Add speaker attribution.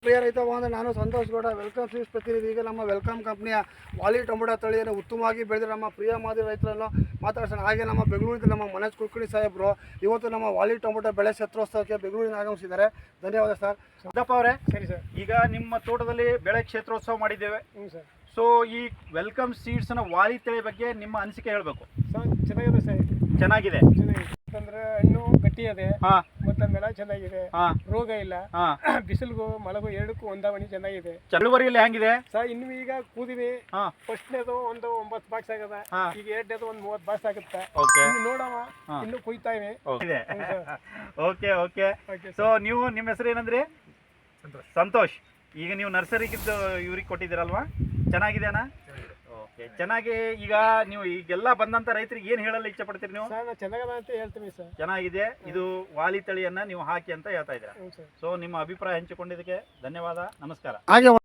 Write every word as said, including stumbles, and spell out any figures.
Speaker 1: ಪ್ರಿಯ ರೈತ ಬಾಂಧವ, ನಾನು ಸಂತೋಷ್ ಗೌಡ, ವೆಲ್ಕಮ್ ಸೀಡ್ಸ್ ಪ್ರತಿನಿಧಿ. ಈಗ ನಮ್ಮ ವೆಲ್ಕಮ್ ಕಂಪ್ನಿಯ ವಾಲಿ ಟೊಮೊಟೊ ತಳಿಯನ್ನು ಉತ್ತಮವಾಗಿ ಬೆಳೆದ ನಮ್ಮ ಪ್ರಿಯ ಮಾದರಿ ರೈತರನ್ನು ಮಾತಾಡ್ಸೋಣ. ಹಾಗೆ ನಮ್ಮ ಬೆಂಗಳೂರಿನ ನಮ್ಮ ಮನೋಜ್ ಕುಲಕರ್ಣಿ ಸಾಹೇಬರು ಇವತ್ತು ನಮ್ಮ ವಾಲಿ ಟೊಮೊಟೊ ಬೆಳೆ ಕ್ಷೇತ್ರೋತ್ಸವಕ್ಕೆ ಬೆಂಗಳೂರಿನ ಆಗಮಿಸಿದ್ದಾರೆ. ಧನ್ಯವಾದ ಸರ್.
Speaker 2: ಸಿದ್ದಪ್ಪ ಅವರೇ,
Speaker 1: ಸರಿ ಸರ್.
Speaker 2: ಈಗ ನಿಮ್ಮ ತೋಟದಲ್ಲಿ ಬೆಳೆ ಕ್ಷೇತ್ರೋತ್ಸವ ಮಾಡಿದ್ದೇವೆ.
Speaker 1: ಹ್ಞೂ ಸರ್.
Speaker 2: ಸೊ ಈ ವೆಲ್ಕಮ್ ಸೀಡ್ಸ್ನ ವಾಲಿ ತಳಿ ಬಗ್ಗೆ ನಿಮ್ಮ ಅನಿಸಿಕೆ ಹೇಳಬೇಕು.
Speaker 1: ಸರ್ ಚೆನ್ನಾಗಿದೆ ಸರ್.
Speaker 2: ಚೆನ್ನಾಗಿದೆ
Speaker 1: ಚೆನ್ನಾಗಿದೆ ಅಂತಂದ್ರೆ ಹಣ್ಣು ಗಟ್ಟಿ ಇದೆ,
Speaker 2: ಹಾಂ,
Speaker 1: ಮತ್ತೆ ಬೆಳೆ ಚೆನ್ನಾಗಿದೆ,
Speaker 2: ಹಾಂ,
Speaker 1: ರೋಗ ಇಲ್ಲ,
Speaker 2: ಹಾಂ,
Speaker 1: ಬಿಸಿಲಿಗೂ ಮಳೆಗೂ ಎರಡಕ್ಕೂ ಹೊಂದಾವಣಿ ಚೆನ್ನಾಗಿದೆ.
Speaker 2: ಚಳುವರಿಯಲ್ಲಿ ಹೆಂಗಿದೆ
Speaker 1: ಸರ್ ಇನ್ನು ಈಗ ಕೂದಿವಿ.
Speaker 2: ಹಾಂ,
Speaker 1: ಫಸ್ಟ್ನೇದು ಒಂದು ಒಂಬತ್ತು ಬಾಕ್ಸ್ ಆಗದ,
Speaker 2: ಹಾಂ,
Speaker 1: ಈಗ ಎರಡನೇದು ಒಂದು ಮೂವತ್ತು ಬಾಕ್ಸ್ ಆಗುತ್ತೆ.
Speaker 2: ಓಕೆ,
Speaker 1: ಇನ್ನು ನೋಡವ,
Speaker 2: ಹಾಂ,
Speaker 1: ಇನ್ನು ಕುಯ್ತಾ ಇವೆ.
Speaker 2: ಇದೆ.
Speaker 1: ಹ್ಞೂ sir.
Speaker 2: Okay okay
Speaker 1: okay
Speaker 2: so ನೀವು ನಿಮ್ಮ ಹೆಸರು ಏನಂದ್ರಿ? ಸಂತೋಷ್. ಈಗ ನೀವು ನರ್ಸರಿಗಿದ್ದು ಇವ್ರಿಗೆ ಕೊಟ್ಟಿದ್ದೀರಲ್ವಾ? ಚೆನ್ನಾಗಿದೆ ಅಣ್ಣ? ಓಕೆ, ಚೆನ್ನಾಗಿ. ಈಗ ನೀವು ಈಗೆಲ್ಲ ಬಂದಂತ ರೈತರಿಗೆ ಏನು ಹೇಳಲು ಇಚ್ಛೆ ಪಡ್ತೀರಿ ನೀವು?
Speaker 1: ಸರ್ ನಾನು ಚೆನ್ನಾಗದ ಅಂತ ಹೇಳ್ತೀನಿ ಸರ್.
Speaker 2: ಚೆನ್ನಾಗಿದೆ, ಇದು ವಾಲಿ ತಳಿಯನ್ನ ನೀವು ಹಾಕಿ ಅಂತ ಹೇಳ್ತಾ ಇದ್ದೀರಾ.
Speaker 1: ಹ್ಞೂ ಸರ್.
Speaker 2: ಸೊ ನಿಮ್ಮ ಅಭಿಪ್ರಾಯ ಹಂಚಿಕೊಂಡಿದ್ದಕ್ಕೆ ಧನ್ಯವಾದ, ನಮಸ್ಕಾರ.
Speaker 1: ಹಾಗೆ